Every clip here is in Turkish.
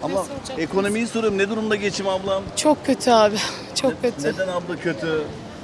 Ama ekonomiyi soruyorum. Ne durumda geçim ablam? Çok kötü abi. Çok kötü. Neden abla kötü?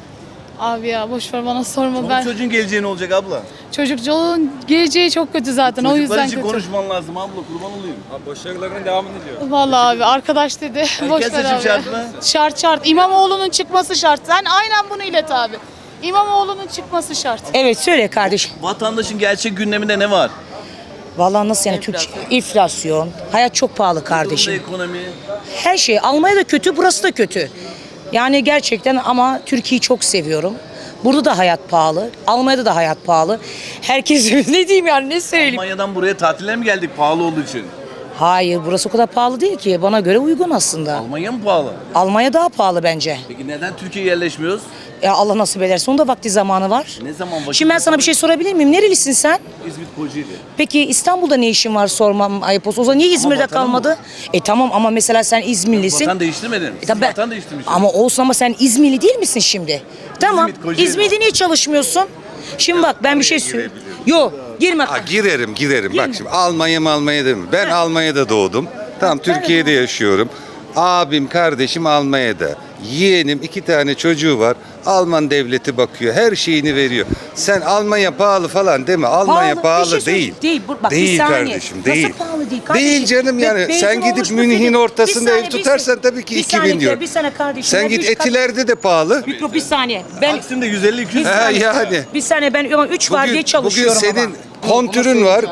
Abi ya boş ver bana sorma Çoluk ben. çocuğun geleceği ne olacak abla? Çocukluğun geleceği çok kötü zaten o Çocuklar yüzden için kötü. konuşman lazım abla, kurban olayım. Abi başarılarının devamını diliyor. Vallahi abi arkadaş dedi. Boş Erken ver seçim abi. şart mı? Şart şart. İmamoğlu'nun çıkması şart. Sen aynen bunu ilet abi. İmamoğlu'nun çıkması şart. Evet söyle kardeşim. Vatandaşın gerçek gündeminde ne var? Vallahi nasıl yani enflasyon, hayat çok pahalı Durumda kardeşim. ekonomi. Her şey Almanya da kötü, burası da kötü. Yani gerçekten ama Türkiye'yi çok seviyorum. Burada da hayat pahalı. Almanya'da da hayat pahalı. Herkes ne diyeyim yani ne söyleyeyim? Almanya'dan buraya tatile mi geldik pahalı olduğu için? Hayır burası o kadar pahalı değil ki. Bana göre uygun aslında. Almanya mı pahalı? Almanya daha pahalı bence. Peki neden Türkiye'ye yerleşmiyoruz? Allah nasip ederse onun da vakti zamanı var. Ne zaman vakit? Şimdi ben sana bir şey sorabilir miyim? Nerelisin sen? İzmit Kocaeli. Peki İstanbul'da ne işin var sormam ayıp olsun. O zaman niye İzmir'de vatanım kalmadı? Tamam ama mesela sen İzmirlisin. Vatan değiştirmedim. Siz Tabii ben- vatan değiştirmişsiniz. Ama olsun ama sen İzmirli değil misin şimdi? Tamam. Kocaeli. İzmir'de niye çalışmıyorsun? Şimdi bak ben bir şey söyleyeyim. Yok girme. Ha, girerim. Bak şimdi Almanya değil mi? Ben Almanya'da doğdum. Tamam Türkiye'de yaşıyorum. Abim, kardeşim Almanya'da. Yeğenim 2 tane çocuğu var. Alman devleti bakıyor. Her şeyini veriyor. Sen Almanya pahalı falan deme. Almanya Bir pahalı şey söyle- değil. Değil. Bak, bir Değil saniye. kardeşim. Nasıl Değil. pahalı değil kardeşim? Değil canım yani. Benzin Sen gidip olmuş mu Münih'in senin? ortasında Bir ev saniye, tutarsan tabii ki bir 2000 saniye, diyor. Bir saniye kardeşim. Sen Ben git üç kat- Etiler'de de pahalı. Bir saniye. Ben Taksim'de 150-200 bir Ha, saniye. yani. Bir saniye ben 3 var diye Bugün çalışıyorum senin ama. kontürün var.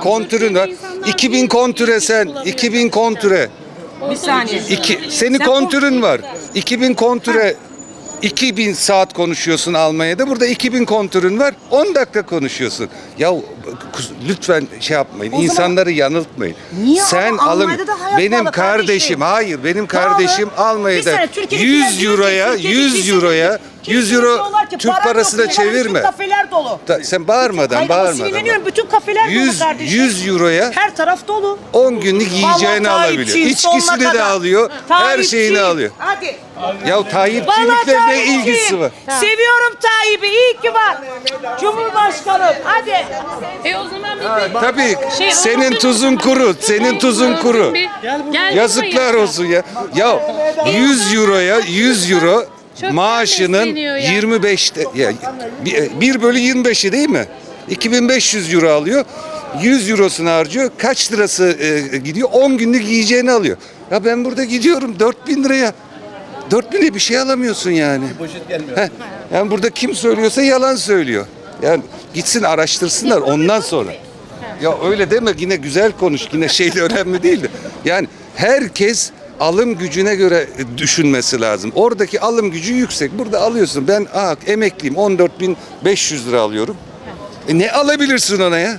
2000 kontüre sen. 2000 kontüre. Bir saniye. Senin Sen kontürün var. 2000 kontüre 2000 saat konuşuyorsun Almanya'da. Burada 2000 kontürün var. 10 dakika konuşuyorsun. Ya lütfen şey yapmayın. O zaman- İnsanları yanıltmayın. Niye Sen ama alım Almanya'da da hayat benim pahalı kardeşim kardeşim. hayır benim Pahalı. kardeşim Bir Almanya'da sene Türkiye'dekiler 100 diyor ki, euroya Türkiye'de 100 kimse- euroya 100 kimse euro diyorlar ki, Türk param parasına yok diyorlar, çevirme. Bütün kafeler dolu. Sen bağırmadan Hayır, ama bağırmadan. sinirleniyorum. Bütün kafeler dolu 100 kardeşim. 100 euroya Her taraf dolu. 10 günlük yiyeceğini Vallahi alabiliyor. Tayyipçiyim İçkisini sonuna de kadar. alıyor. Her Tayyipçiyim. şeyini alıyor. Hadi. Ya Tayyipçilikle Vallahi ne Tayyipçiyim. ilgisi var? Seviyorum Tayyip'i. İyi ki var. Cumhurbaşkanım. Hadi. O zaman bir Tabii Şey, senin olsun. tuzun kuru. Senin tuzun kuru. Yazıklar olsun ya. Ya 100 euroya 100 euro Çok maaşının besleniyor ya. 25'te ya 1 bölü 25'i değil mi? 2500 euro alıyor. 100 eurosunu harcıyor. Kaç lirası gidiyor? 10 günlük yiyeceğini alıyor. Ya ben burada gidiyorum 4000 liraya. 4000'e bir şey alamıyorsun yani. poşet gelmiyor. Heh, yani burada kim söylüyorsa yalan söylüyor. Yani gitsin araştırsınlar ondan sonra. Ya öyle deme yine güzel konuş yine şey de önemli değil de. Yani herkes alım gücüne göre düşünmesi lazım. Oradaki alım gücü yüksek. Burada alıyorsun. Ben emekliyim 14.500 lira alıyorum. Ne alabilirsin ona ya?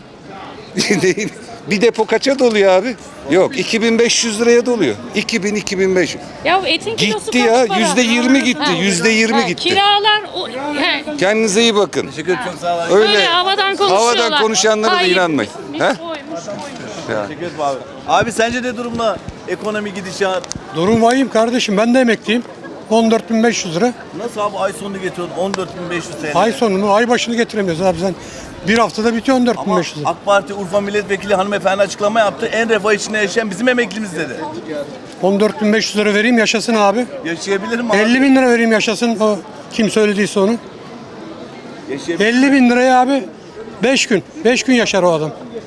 Bir depo kaça doluyor abi? Yok 2500 liraya doluyor. 2000-2500. Ya etin kilosu Gitti kaç ya para? %20 gitti. Ha. %20 gitti. Kiralar Kendinize iyi bakın. Teşekkür ederim, çok sağ olun. Öyle havadan konuşuyorlar. havadan konuşanlara da Tayyip inanmayın. bitmiş, He? koymuş. Teşekkür ederim abi. Abi sence ne durumda ekonomi gidişat? Durum vahim kardeşim, ben de emekliyim. 14.500 lira. Nasıl abi ay sonunu getiriyorsun 14.500 TL? Ay sonunu, ay başını getiremiyoruz abi sen. Bir haftada bitiyor Ama 14.500 lira. AK Parti Urfa Milletvekili hanımefendi açıklama yaptı. En refah içinde yaşayan bizim emeklimiz dedi. 14.500 lira vereyim yaşasın abi. Yaşayabilir mi abi? 50 bin lira vereyim yaşasın o kim söylediyse onu. Yaşayabilir. 50 bin liraya abi 5 gün. 5 gün yaşar o adam.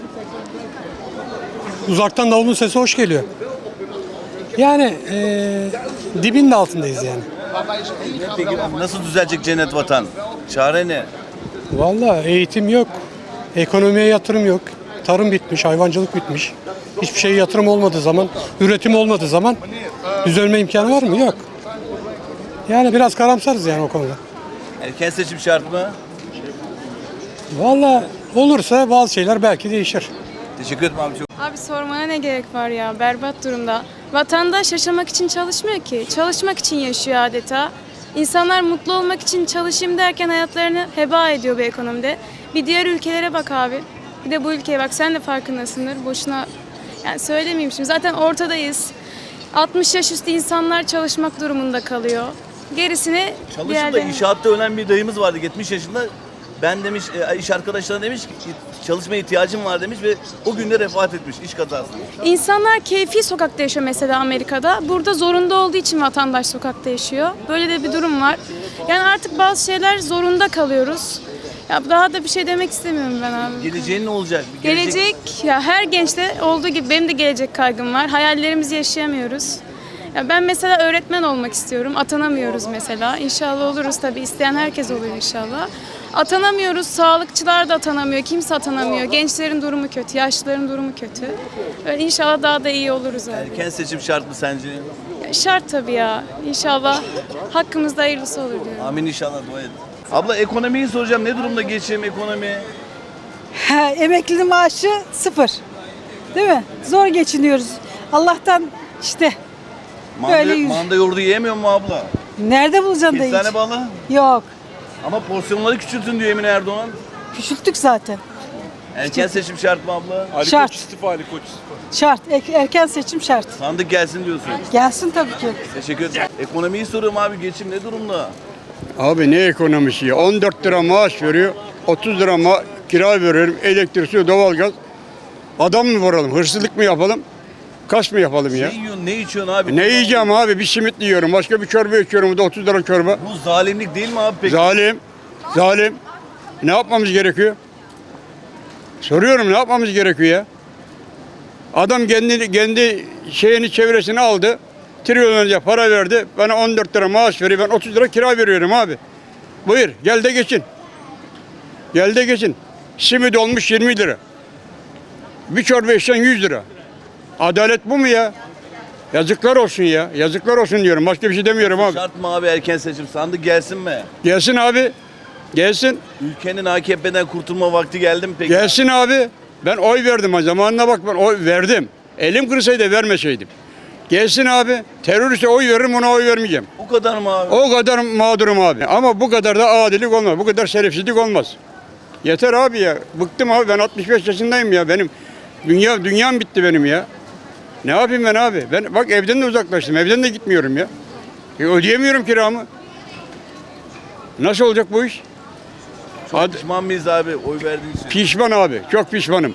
Uzaktan davulun sesi hoş geliyor. Yani dibin de altındayız yani. Peki nasıl düzelecek cennet vatan? Çare ne? Vallahi eğitim yok. Ekonomiye yatırım yok. Tarım bitmiş, hayvancılık bitmiş. Hiçbir şeye yatırım olmadığı zaman, üretim olmadığı zaman düzelme imkanı var mı? Yok. Yani biraz karamsarız yani o konuda. Erken seçim şart mı? Vallahi olursa bazı şeyler belki değişir. Teşekkür ederim abi çok. Abi sormana ne gerek var ya, berbat durumda. Vatandaş yaşamak için çalışmıyor ki, çalışmak için yaşıyor adeta. İnsanlar mutlu olmak için çalışayım derken hayatlarını heba ediyor bu ekonomide. Bir diğer ülkelere bak abi, bir de bu ülkeye bak, sen de farkındasındır. Boşuna yani söylemeyeyim şimdi, zaten ortadayız. 60 yaş üstü insanlar çalışmak durumunda kalıyor. Gerisini Çalışıp da inşaatta ölen bir dayımız vardı 70 yaşında. Ben demiş, iş arkadaşlarına demiş ki çalışmaya ihtiyacım var demiş ve o günde vefat etmiş iş kazasında. İnsanlar keyfi sokakta yaşıyor mesela Amerika'da. Burada zorunda olduğu için vatandaş sokakta yaşıyor. Böyle de bir durum var. Yani artık bazı şeyler zorunda kalıyoruz. Ya daha da bir şey demek istemiyorum ben abi. Geleceğin ne olacak? Gelecek ya her gençte olduğu gibi benim de gelecek kaygım var. Hayallerimizi yaşayamıyoruz. Ya ben mesela öğretmen olmak istiyorum. Atanamıyoruz mesela. İnşallah oluruz tabii. İsteyen herkes olur inşallah. Atanamıyoruz. Sağlıkçılar da atanamıyor. Kimse atanamıyor. Gençlerin durumu kötü. Yaşlıların durumu kötü. Böyle inşallah daha da iyi oluruz abi. Erken seçim şart mı sence? Ya şart tabii ya. İnşallah hakkımızda hayırlısı olur diyorum. Amin inşallah, dua edin. Abla ekonomiyi soracağım. Ne durumda geçim, ekonomi? Emekli maaşı 0. Değil mi? Zor geçiniyoruz. Allah'tan işte Böyle yüz- Manda yoğurdu yiyemiyor mu abla? nerede bulacaksın da Kestane hiç? balı. Yok. Ama porsiyonları küçültün diyor Emine Erdoğan. Küçülttük zaten. Erken seçim şart mı abla? Ali Şart. Koç istifa, Ali Koç istifa. Şart. Erken seçim şart. Sandık gelsin diyorsun. Gelsin tabii ki. Teşekkür ederim. Ekonomiyi soruyorum abi. Geçim ne durumda? Abi ne ekonomisi ya? 14 lira maaş veriyor, 30 lira kira veriyorum, elektrik, su, doğalgaz. Adam mı vuralım, hırsızlık mı yapalım, kaç mı yapalım ya? Ne yiyorsun, ne içiyorsun abi? Ne yiyeceğim abi? Bir simit yiyorum, başka bir çorba içiyorum, bu da 30 lira çorba. Bu zalimlik değil mi abi peki? Zalim, zalim. Ne yapmamız gerekiyor? Soruyorum, ne yapmamız gerekiyor ya? Adam kendi şeyini, çevresini aldı, trilyonlarca para verdi, bana 14 lira maaş veriyor, ben 30 lira kira veriyorum abi. Buyur, gel de geçin. Gel de geçin. Simit olmuş 20 lira. Bir çorba içsen 100 lira. Adalet bu mu ya? Yazıklar olsun ya. Yazıklar olsun diyorum. Başka bir şey demiyorum abi. Şart mı abi erken seçim? Sandık gelsin mi? Gelsin abi. Gelsin. Ülkenin AKP'den kurtulma vakti geldi mi peki? Gelsin abi. Ben oy verdim. Zamanına bak, ben oy verdim. Elim kırsaydı vermeseydim. Gelsin abi. Teröriste oy veririm, ona oy vermeyeceğim. O kadar mı abi? O kadar mağdurum abi. Ama bu kadar da adilik olmaz. Bu kadar şerefsizlik olmaz. Yeter abi ya. Bıktım abi. Ben 65 yaşındayım ya. Benim dünyam bitti benim ya. Ne yapayım ben abi? Ben bak evden de uzaklaştım. Evden de gitmiyorum ya. Ödeyemiyorum kiramı. Nasıl olacak bu iş? Çok pişman mıyız abi oy verdiğin için? Pişman abi. Çok pişmanım.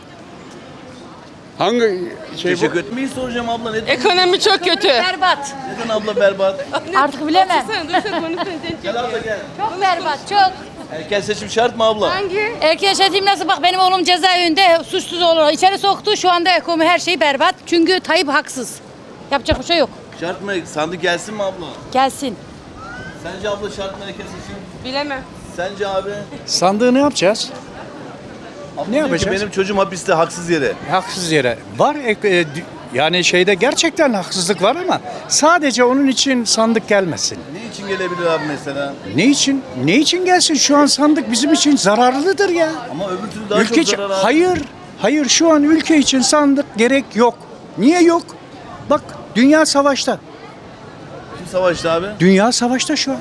Hangi şey Teşekkür bu? ederim. Neyi soracağım abla? Ne Ekonomi çok kötü. Berbat. Neden abla berbat? Artık bilemem. Gel abla gel. Çok berbat, çok. Erken seçim şart mı abla? Erken seçim nasıl, bak benim oğlum cezaevinde suçsuz olarak içeri soktu. Şu anda ekonomi her şey berbat. Çünkü Tayyip haksız. Yapacak bir şey yok. Şart mı? Sandık gelsin mi abla? Gelsin. Sence abla şart mı erken seçim? Bilemem. Sence abi? Sandığı ne yapacağız? Abla Ne diyor ki, yapacağız? benim çocuğum hapiste haksız yere. Haksız yere. Var yani şeyde gerçekten haksızlık var ama sadece onun için sandık gelmesin. Ne için gelebilir abi mesela? Ne için? Ne için gelsin? Şu an sandık bizim için zararlıdır ya. Ama öbür türlü daha Ülke çok için, zarar abi. hayır şu an ülke için sandık gerek yok. Niye yok? Bak dünya savaşta. Kim savaştı abi? Dünya savaşta şu an.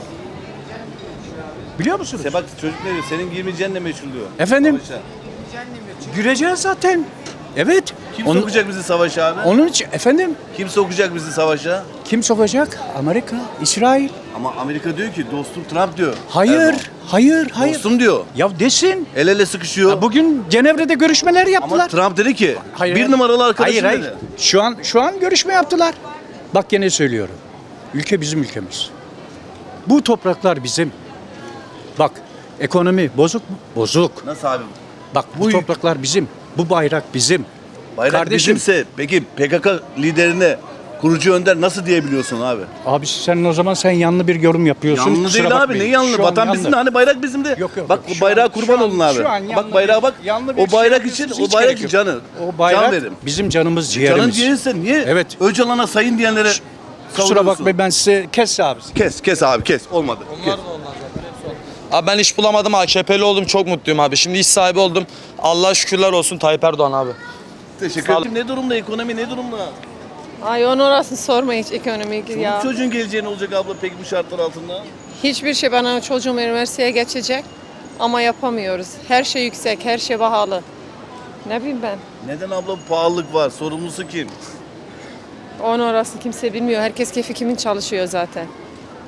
Biliyor musunuz? Bak çocuk ne diyor? Senin girmeyeceğinle meşhur diyor. Efendim? Savaşa. Gireceğiz zaten. Evet. Kim sokacak bizi savaşa abi? Onun için efendim Kim sokacak bizi savaşa? kim sokacak? Amerika, İsrail. Ama Amerika diyor ki dostum Trump diyor. Hayır, Erdoğan. hayır. Dostum diyor. Ya desin. El ele sıkışıyor. Ya bugün Cenevre'de görüşmeler Ama yaptılar. Trump dedi ki Hayır, bir hayır. numaralı arkadaşım Hayır, dedi. Şu an görüşme yaptılar. Bak gene söylüyorum. Ülke bizim ülkemiz. Bu topraklar bizim. Bak ekonomi bozuk mu? Bozuk. Nasıl abi? Bak bu topraklar bizim. Bu bayrak bizim. Bayrak Kardeşim. bizimse peki PKK liderine kurucu önder nasıl diyebiliyorsun abi? Abi sen yanlı bir yorum yapıyorsun. Yanlı Kusura değil abi. bakmayın. Ne yanlı? Şu an Vatan bizim de hani bayrak bizim de. Yok, bak şu o bayrağa an- kurban şu an- olun abi. şu an yanlı Bak bayrağa bak. yanlı bir O şey bayrak yapıyorsunuz, için o hiç bayrak gerek yok. canı. O bayrak Can verin. bizim canımız ciğerimiz. Canın ciğerse niye Evet. Öcalan'a sayın diyenlere Kusura savuruyorsun? bakmayın ben size kes abi. Kes abi kes. Olmadı. Kes. Abi ben iş bulamadım, AKP'li oldum, çok mutluyum abi. Şimdi iş sahibi oldum. Allah'a şükürler olsun Tayyip Erdoğan abi. Teşekkür ederim. Ne durumda ekonomi ne durumda? Ay onu orasını sorma hiç ekonomik Bu çocuğun geleceği ne olacak abla peki bu şartlar altında? Hiçbir şey, bana çocuğum üniversiteye geçecek ama yapamıyoruz. Her şey yüksek, her şey pahalı. Ne bileyim ben. Neden abla bu pahalılık var? Sorumlusu kim? Onu orasını kimse bilmiyor. Herkes keyfi kimin çalışıyor zaten.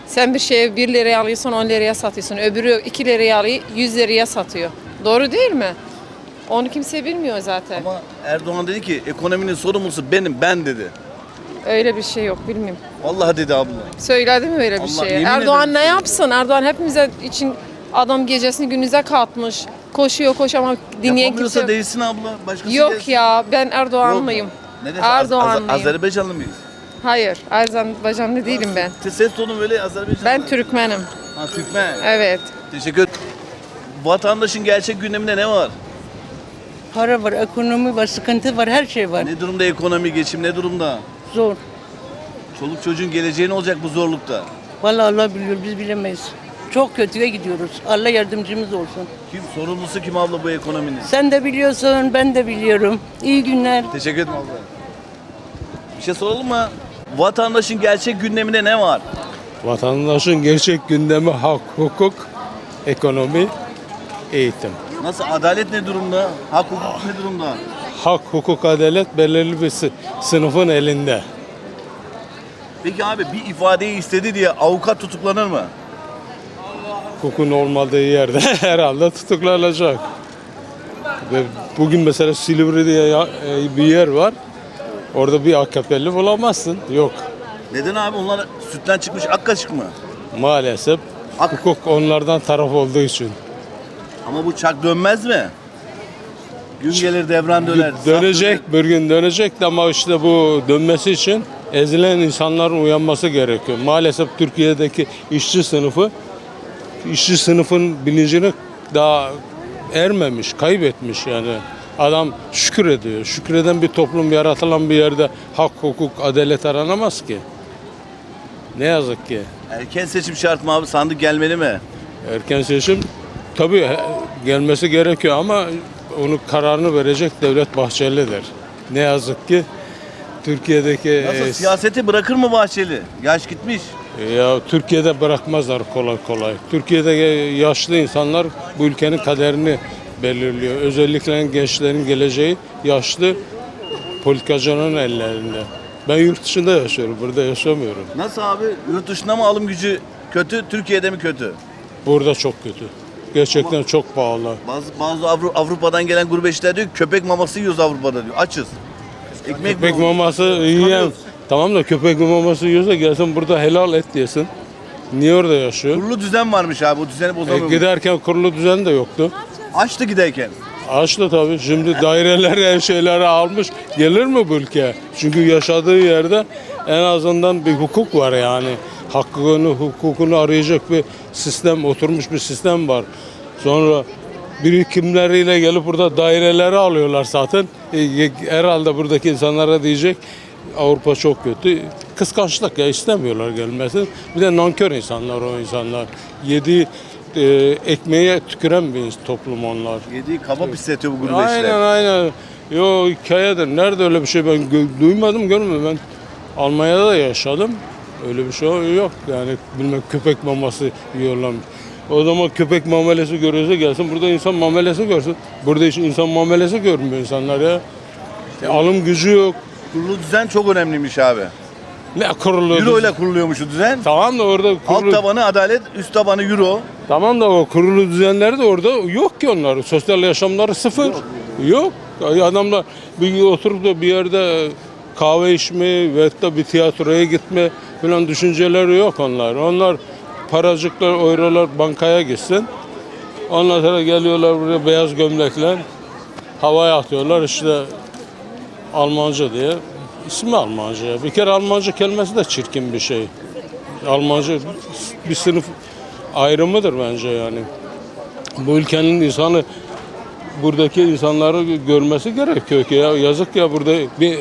Sen bir şeyi 1 liraya alıyorsun 10 liraya satıyorsun. Öbürü 2 liraya alıyor 100 liraya satıyor. Doğru değil mi? Onu kimse bilmiyor zaten. Ama Erdoğan dedi ki ekonominin sorumlusu ben dedi. Öyle bir şey yok bilmiyorum. Vallahi dedi abla. Söyledi mi öyle bir Allah, şey? yemin Erdoğan ederim ne söyledi. yapsın? Erdoğan hepimize için adam gecesini gündüze katmış. Koşuyor ama dinleyen Yapamıyorsa kimse yok. değilsin abla. Başkası Yok gelsin. ya ben Yok. Erdoğanlıyım. Neden? Erdoğanlıyım. Azerbaycanlı mıyız? Hayır Azerbaycanlı değilim ben. Ses tonu böyle Azerbaycanlı. Ben Türkmenim. Ha, Türkmen. Evet. Teşekkür ederim. Vatandaşın gerçek gündeminde ne var? Para var, ekonomi var, sıkıntı var, her şey var. Ne durumda ekonomi, geçim ne durumda? Zor. Çoluk çocuğun geleceği ne olacak bu zorlukta? Vallahi Allah biliyor, biz bilemeyiz. Çok kötüye gidiyoruz. Allah yardımcımız olsun. Kim sorumlusu kim abla bu ekonominin? Sen de biliyorsun, ben de biliyorum. İyi günler. Teşekkür ederim abla. Bir şey soralım mı? Vatandaşın gerçek gündeminde ne var? Vatandaşın gerçek gündemi hak, hukuk, ekonomi, eğitim. Nasıl? Adalet ne durumda? Hak hukuk ne durumda? Hak, hukuk, adalet belirli bir sınıfın elinde. Peki abi bir ifadeyi istedi diye avukat tutuklanır mı? Hukukun olmadığı yerde herhalde tutuklanacak. Ve bugün mesela Silivri'de bir yer var. Orada bir AKP'li bulamazsın. Yok. Neden abi? Onlar sütten çıkmış ak kaşık mı? Maalesef hukuk onlardan taraf olduğu için. Ama bu çak dönmez mi? Gün gelir devran döner. Dönecek, bir gün dönecek de ama işte bu dönmesi için ezilen insanların uyanması gerekiyor. Maalesef Türkiye'deki işçi sınıfın bilincini daha ermemiş, kaybetmiş yani. Adam şükür ediyor. Şükreden bir toplum yaratılan bir yerde hak, hukuk, adalet aranamaz ki. Ne yazık ki. Erken seçim şart mı abi? Sandık gelmeli mi? Erken seçim tabii gelmesi gerekiyor ama onun kararını verecek Devlet Bahçeli'dir. Ne yazık ki Türkiye'deki Nasıl? Siyaseti bırakır mı Bahçeli? Yaş gitmiş. ya Türkiye'de bırakmazlar kolay kolay. Türkiye'de yaşlı insanlar bu ülkenin kaderini belirliyor. Özellikle gençlerin geleceği yaşlı politikacının ellerinde. Ben yurt dışında yaşıyorum, burada yaşamıyorum. Nasıl abi? Yurt dışında mı alım gücü kötü, Türkiye'de mi kötü? Burada çok kötü. Gerçekten çok pahalı. Bazı Avrupa'dan gelen gurbetçiler diyor ki köpek maması yiyoruz Avrupa'da diyor. Açız. Köpek maması yiyen, tamam da köpek maması yiyorsa gelsin burada helal et yesin. Niye orada yaşıyor? Kurulu düzen varmış abi. O düzeni bozamıyor. Giderken kurulu düzen de yoktu. Açtı giderken. Açtı tabii. Şimdi daireleri, ev şeyleri almış. Gelir mi bu ülkeye? Çünkü yaşadığı yerde en azından bir hukuk var yani. Hakkını, hukukunu arayacak bir sistem, oturmuş bir sistem var. Sonra birikimleriyle gelip burada daireleri alıyorlar zaten. Herhalde buradaki insanlara diyecek Avrupa çok kötü. Kıskançlık ya, istemiyorlar gelmesin. Bir de nankör insanlar o insanlar. Yediği ekmeğe tüküren bir toplum onlar. Yediği kaba pisletiyor bu gurbetçiler. Aynen. Yo hikayedir. Nerede öyle bir şey ben duymadım, görmedim. Ben Almanya'da da yaşadım. Öyle bir şey yok. Yani bilmem köpek maması yiyorlar. O zaman köpek muamelesi görüyorsa gelsin burada insan muamelesi görsün. Burada hiç insan muamelesi görmüyor insanlar ya. Alım gücü yok. Kurulu düzen çok önemliymiş abi. Ne kurulu? Euro ile kuruluyormuş o düzen. Tamam da orada Alt tabanı adalet, üst tabanı euro. Tamam da o kurulu düzenleri de orada yok ki onlar. Sosyal yaşamları sıfır. Yok. Adamlar bir oturup da bir yerde kahve içme ve da bir tiyatroya gitme falan düşünceleri yok onlar. Onlar paracıklar, eurolar bankaya gitsin. Ondan sonra geliyorlar buraya beyaz gömlekle havaya atıyorlar işte Almanca diye. İsmi Almanca. Bir kere Almanca kelimesi de çirkin bir şey. Almanca bir sınıf ayrımıdır bence yani. Bu ülkenin insanı buradaki insanları görmesi gerekiyor ki ya yazık ya burada bir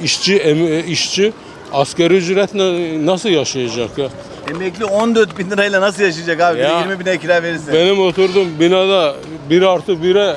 işçi asgari ücretle nasıl yaşayacak ya? Emekli 14 bin lirayla nasıl yaşayacak abi? Ya, 20 bine kira verirse. Benim oturduğum binada 1+1'e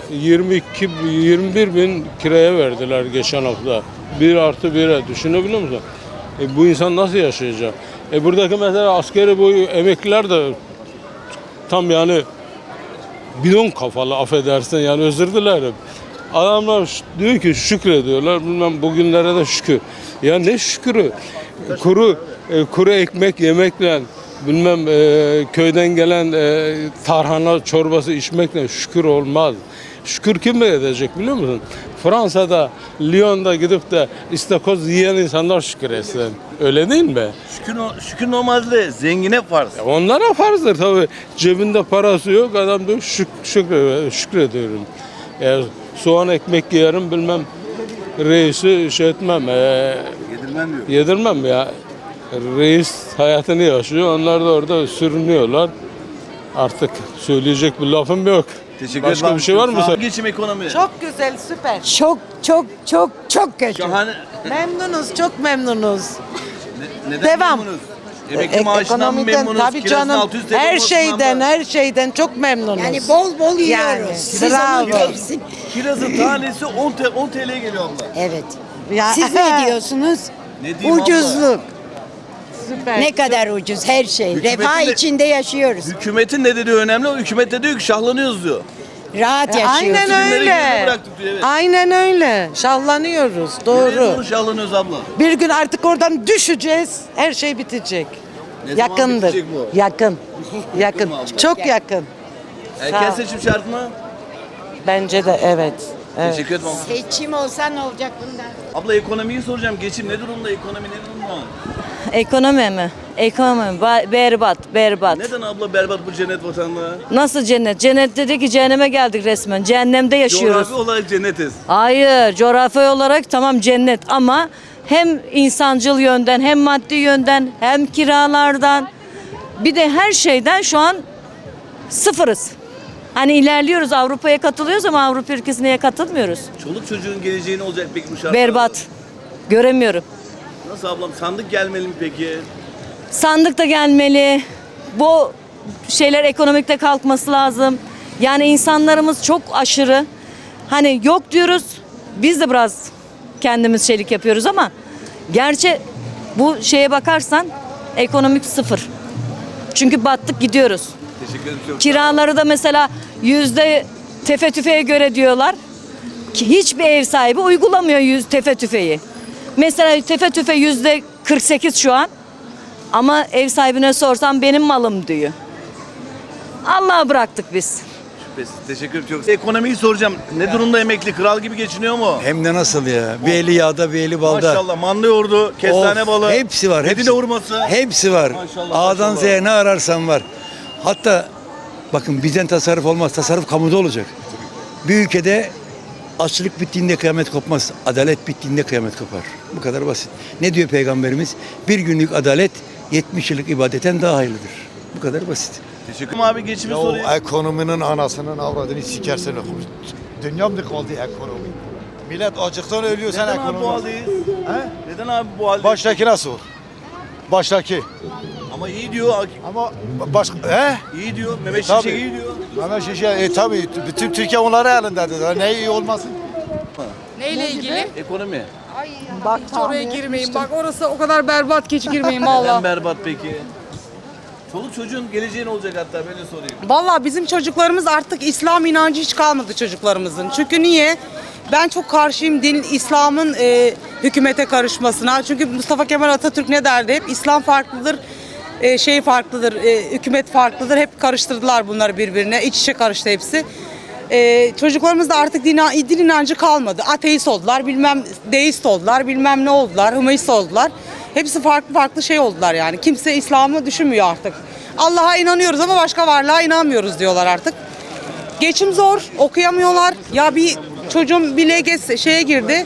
21 bin kiraya verdiler geçen hafta. 1+1'e düşünebiliyor musun? Bu insan nasıl yaşayacak? Buradaki mesela askeri boyu emekliler de tam yani bidon kafalı affedersin yani özür dilerim. Adamlar diyor ki şükrediyorlar bilmem bugünlere de şükür. Ya ne şükürü? Kuru ekmek yemekle bilmem köyden gelen tarhana çorbası içmekle şükür olmaz. Şükür kim edecek biliyor musun? Fransa'da, Lyon'da gidip de istakoz yiyen insanlar şükür etsin. Öyle değil mi? Şükür normalde zengine farz. Onlara farzdır tabii. Cebinde parası yok, adam diyor şükrediyorum. Soğan ekmek yerim bilmem reisi şey etmem. Yedirmem diyor. Yedirmem ya. Reis hayatını yaşıyor. Onlar da orada sürünüyorlar. Artık söyleyecek bir lafım yok. Teşekkür Başka ederim. bir şey var mı? Sağ ol. Geçim ekonomi. Çok güzel, süper. Çok kötü. Şahane. Memnunuz, çok memnunuz. Neden Devam. memnunuz? Emekli maaşından mı Ekonomiden memnunuz? tabii Kirasının canım. 600 TL Her olmasından mı? şeyden çok memnunuz. Yani bol bol yiyoruz. Yani, bravo. Kirazın tanesi 10 TL'ye geliyor abla. Evet. Ya, Siz ne diyorsunuz? Ne diyeyim abla? Ucuzluk. Süper. Ne kadar ucuz her şey. Hükümetin Refah de- içinde yaşıyoruz. Hükümetin ne dediği önemli. O hükümet de diyor ki şahlanıyoruz diyor. Rahat yaşıyoruz. Aynen Günleri öyle. geride bıraktık diyor, evet. Aynen öyle. Şahlanıyoruz. Nereye Doğru. doğru şahlanıyoruz abla? Bir gün artık oradan düşeceğiz. Her şey bitecek. Ne zaman Yakındır. bitecek bu? Yakın. Yakın. mu abla? Çok yakın. Erken Sağ ol. seçim şart mı? Bence de evet. Evet. Teşekkür ederim abla. Seçim olsa ne olacak bundan? Abla ekonomiyi soracağım. Geçim ne durumda? Ekonomi ne durumda? Ekonomi mi? Ekonomi berbat. Neden abla berbat bu cennet vatanlığı? Nasıl cennet? Cennet dedi ki cehenneme geldik resmen. Cehennemde yaşıyoruz. Coğrafi olarak cennetiz. Hayır, coğrafi olarak tamam cennet ama hem insancıl yönden hem maddi yönden hem kiralardan bir de her şeyden şu an sıfırız. Hani ilerliyoruz, Avrupa'ya katılıyoruz ama Avrupa ülkesine katılmıyoruz. Çoluk çocuğun geleceği ne olacak peki bu şartlarda? Berbat. Göremiyorum. Nasıl ablam? Sandık gelmeli mi peki? Sandık da gelmeli. Bu şeyler ekonomikte kalkması lazım. Yani insanlarımız çok aşırı. Hani yok diyoruz. Biz de biraz kendimiz şeylik yapıyoruz ama gerçi bu şeye bakarsan ekonomik sıfır. Çünkü battık gidiyoruz. Teşekkür ederim. Çok Kiraları da mesela tefe tüfeğe göre diyorlar. Ki hiçbir ev sahibi uygulamıyor tefe tüfeği. Mesela tefe tüfe %48 şu an. Ama ev sahibine sorsam benim malım diyor. Allah'a bıraktık biz. şüphesiz. Teşekkür ederim. Çok. Ekonomiyi soracağım. Ne durumda emekli? Kral gibi geçiniyor mu? Hem de nasıl ya? Bir eli yağda bir eli balda. Maşallah. Manda yoğurdu, kestane Of, balı. hepsi var. Medine hurması. Hepsi var. Maşallah, A'dan maşallah. Z'ye ne ararsan var. Hatta bakın bizden tasarruf olmaz. Tasarruf kamuda olacak. Bir ülkede açlık bittiğinde kıyamet kopmaz. Adalet bittiğinde kıyamet kopar. Bu kadar basit. Ne diyor Peygamberimiz? Bir günlük adalet 70 yıllık ibadetten daha hayırlıdır. Bu kadar basit. Teşekkür ederim abi. Geçimi sorayım. Ekonominin anasının avradını sikersen okumuş. Dünya mı kaldı ekonomi? Millet açıktan ölüyor sen Neden abi bu ekonomi. haldeyiz? He? Neden abi bu haldeyiz? Baştakine sor. Baştaki. Ama iyi diyor. Ama he? İyi diyor. Mehmet Tabii. Şimşek iyi diyor. Hemen şişe tabii bütün Türkiye onları elindedir. Ne iyi olmasın? Neyle ilgili? Ekonomi. Bak Hiç oraya girmeyin. Bak orası o kadar berbat ki hiç girmeyin valla. Neden berbat peki? Çoluk çocuğun geleceği ne olacak hatta böyle sorayım. Vallahi bizim çocuklarımız artık İslam inancı hiç kalmadı çocuklarımızın. Çünkü niye? Ben çok karşıyım İslam'ın hükümete karışmasına. Çünkü Mustafa Kemal Atatürk ne derdi? Hep İslam farklıdır, şey farklıdır, hükümet farklıdır. Hep karıştırdılar bunları birbirine. İç içe karıştı hepsi. Çocuklarımızda artık din inancı kalmadı. Ateist oldular, bilmem deist oldular, bilmem ne oldular, hümanist oldular. Hepsi farklı farklı şey oldular yani. Kimse İslam'ı düşünmüyor artık. Allah'a inanıyoruz ama başka varlığa inanmıyoruz diyorlar artık. Geçim zor, okuyamıyorlar. Ya bir çocuğum bir LGS şeye girdi.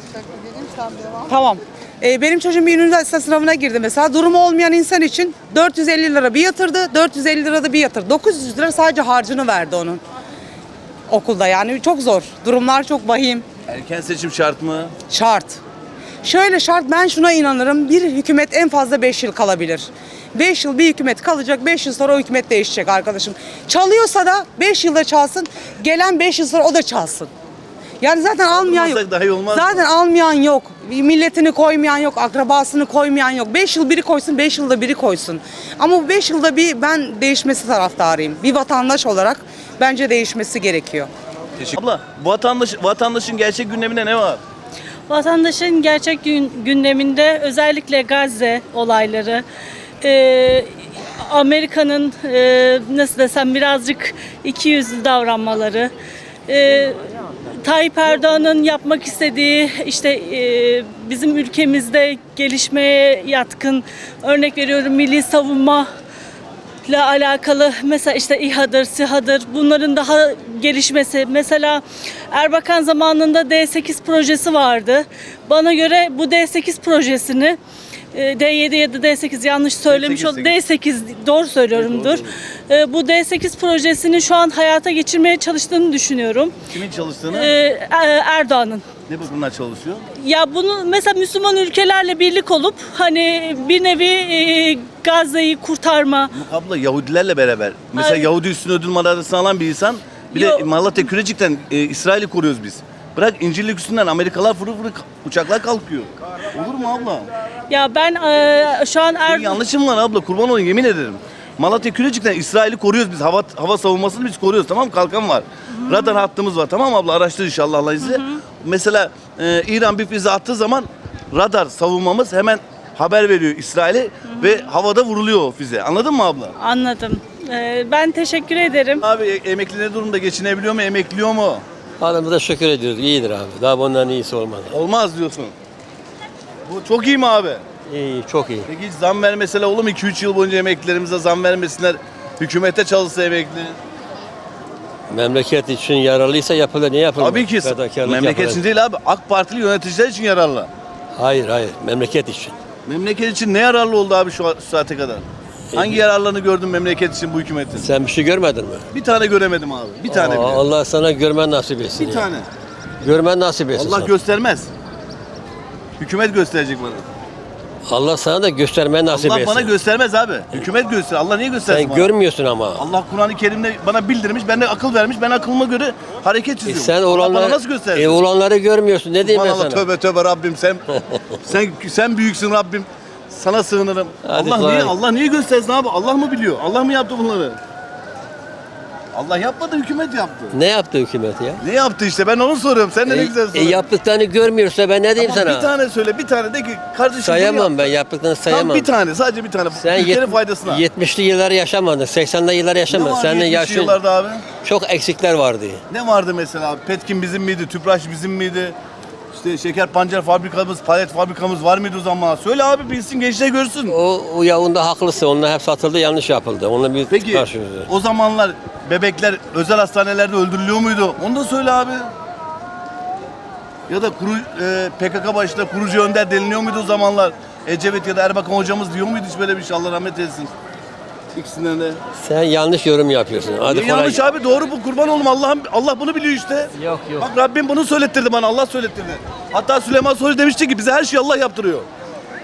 Tamam. Benim çocuğum bir üniversite sınavına girdi mesela. Durumu olmayan insan için 450 lira bir yatırdı, 450 lira da bir yatırdı. 900 lira sadece harcını verdi onun okulda yani çok zor. Durumlar çok vahim. Erken seçim şart mı? Şart. Şöyle şart, ben şuna inanırım. Bir hükümet en fazla 5 yıl kalabilir. 5 yıl bir hükümet kalacak, 5 yıl sonra o hükümet değişecek arkadaşım. Çalıyorsa da 5 yılda çalsın, gelen 5 yıl sonra o da çalsın. Yani zaten almayan yok. Dahi olmaz Zaten almayan yok. Milletini koymayan yok, akrabasını koymayan yok. 5 yıl biri koysun, 5 yılda biri koysun. Ama bu 5 yılda bir ben değişmesi taraftarıyım. Bir vatandaş olarak bence değişmesi gerekiyor. Teşekkür. Abla vatandaşın gerçek gündeminde ne var? Vatandaşın gerçek gündeminde özellikle Gazze olayları, Amerika'nın nasıl desem birazcık ikiyüzlü davranmaları, Tayyip Erdoğan'ın yapmak istediği işte bizim ülkemizde gelişmeye yatkın, örnek veriyorum milli savunma ile alakalı mesela işte İHA'dır, SİHA'dır bunların daha gelişmesi. Mesela Erbakan zamanında D8 projesi vardı. Bana göre bu D8 projesini D7 ya da D8 yanlış söylemiş oldum. D8 doğru söylüyorumdur. Bu D8 projesini şu an hayata geçirmeye çalıştığını düşünüyorum. Kimin çalıştığını? Erdoğan'ın. Ne bakımdan çalışıyor? Ya bunu mesela Müslüman ülkelerle birlik olup hani bir nevi Gazze'yi kurtarma. Yok abla Yahudilerle beraber. Mesela Yahudi üstüne ödül madalyasını alan bir insan. Bir de Malatya Kürecik'ten İsrail'i koruyoruz biz. Bırak İncirlik üstünden Amerikalılar fırı uçaklar kalkıyor. Olur mu abla? Ya ben şu an Senin yanlışım var abla, kurban olayım yemin ederim. Malatya Kürecik'ten İsrail'i koruyoruz biz. Hava savunmasını biz koruyoruz, tamam mı? Kalkan var. Radar hattımız var, tamam mı abla? Araştır inşallah Allah izniyle. Mesela İran bir füze attığı zaman radar savunmamız hemen haber veriyor İsrail'e ve havada vuruluyor o füze. Anladın mı abla? Anladım. Ben teşekkür ederim. Abi emekli ne durumda? Geçinebiliyor mu? Emekliyor mu? Halimize şükür ediyoruz. İyidir abi. Daha bundan iyisi olmadı. Olmaz diyorsun. Bu çok iyi mi abi? İyi, çok iyi. Peki hiç zam vermeseler olur mu? 2-3 yıl boyunca emeklilerimize zam vermesinler. Hükümete çalışsa emekli. Memleket için yararlıysa yapılır. Niye yapılmaz? Tabii ki. Fedakarlık Memleket yapılır. için değil abi. AK Partili yöneticiler için yararlı. Hayır, hayır. Memleket için. Memleket için ne yararlı oldu abi şu saate kadar? Hangi yararlarını gördün memleket için bu hükümetin? Sen bir şey görmedin mi? Bir tane göremedim abi. Bir tane bile. Allah sana görmen nasip etsin. Bir ya. tane. Görmen nasip etsin. Allah sana. göstermez. Hükümet gösterecek bana. Allah sana da göstermen nasip Allah etsin. bana göstermez abi. Hükümet göster. Allah niye göstersin Sen bana? görmüyorsun ama. Allah Kur'an-ı Kerim'de bana bildirmiş, bana akıl vermiş. Ben aklıma göre hareket çiziyorum. Sen Allah olanları, bana nasıl göstersin? olanları görmüyorsun. Ne diyeyim ben Allah sana? tövbe tövbe Rabbim sen büyüksün Rabbim. Sana sığınırım. Hadi Allah niye göstersin abi? Allah mı biliyor? Allah mı yaptı bunları? Allah yapmadı, hükümet yaptı. Ne yaptı hükümet ya? Ne yaptı işte? Ben onu soruyorum. Sen de ne güzel soruyorsun. Yaptıklarını görmüyorsa ben ne diyeyim Tamam, sana? bir tane söyle, bir tane de ki kardeşim. Sayamam ben, yaptıklarını sayamam. Tam bir tane, sadece bir tane. Sen Ülkenin faydasına. 70'li yılları yaşamadın, 80'li yılları Ne yaşamadın. vardı Senin 70'li yaşın yıllarda abi? çok eksikler vardı. Ne vardı mesela abi? Petkim bizim miydi? Tüpraş bizim miydi? İşte şeker pancar fabrikamız, palet fabrikamız var mıydı o zaman? Söyle abi bilsin, gençler görsün. O yavunda haklısın. Onlar hep satıldı, yanlış yapıldı. Onunla bir Peki karşıyız. o zamanlar bebekler özel hastanelerde öldürülüyor muydu? Onu da söyle abi. Ya da PKK başında kurucu önder deniliyor muydu o zamanlar? Ecevit ya da Erbakan hocamız diyor muydu hiç böyle bir şey? Allah rahmet eylesin. İkisinden de. Sen yanlış yorum yapıyorsun. Hadi Niye yanlış abi? Doğru bu, kurban oğlum. Allah bunu biliyor işte. Yok. Bak Rabbim bunu söylettirdi bana. Allah söylettirdi. Hatta Süleyman Soylu demişti ki bize her şeyi Allah yaptırıyor.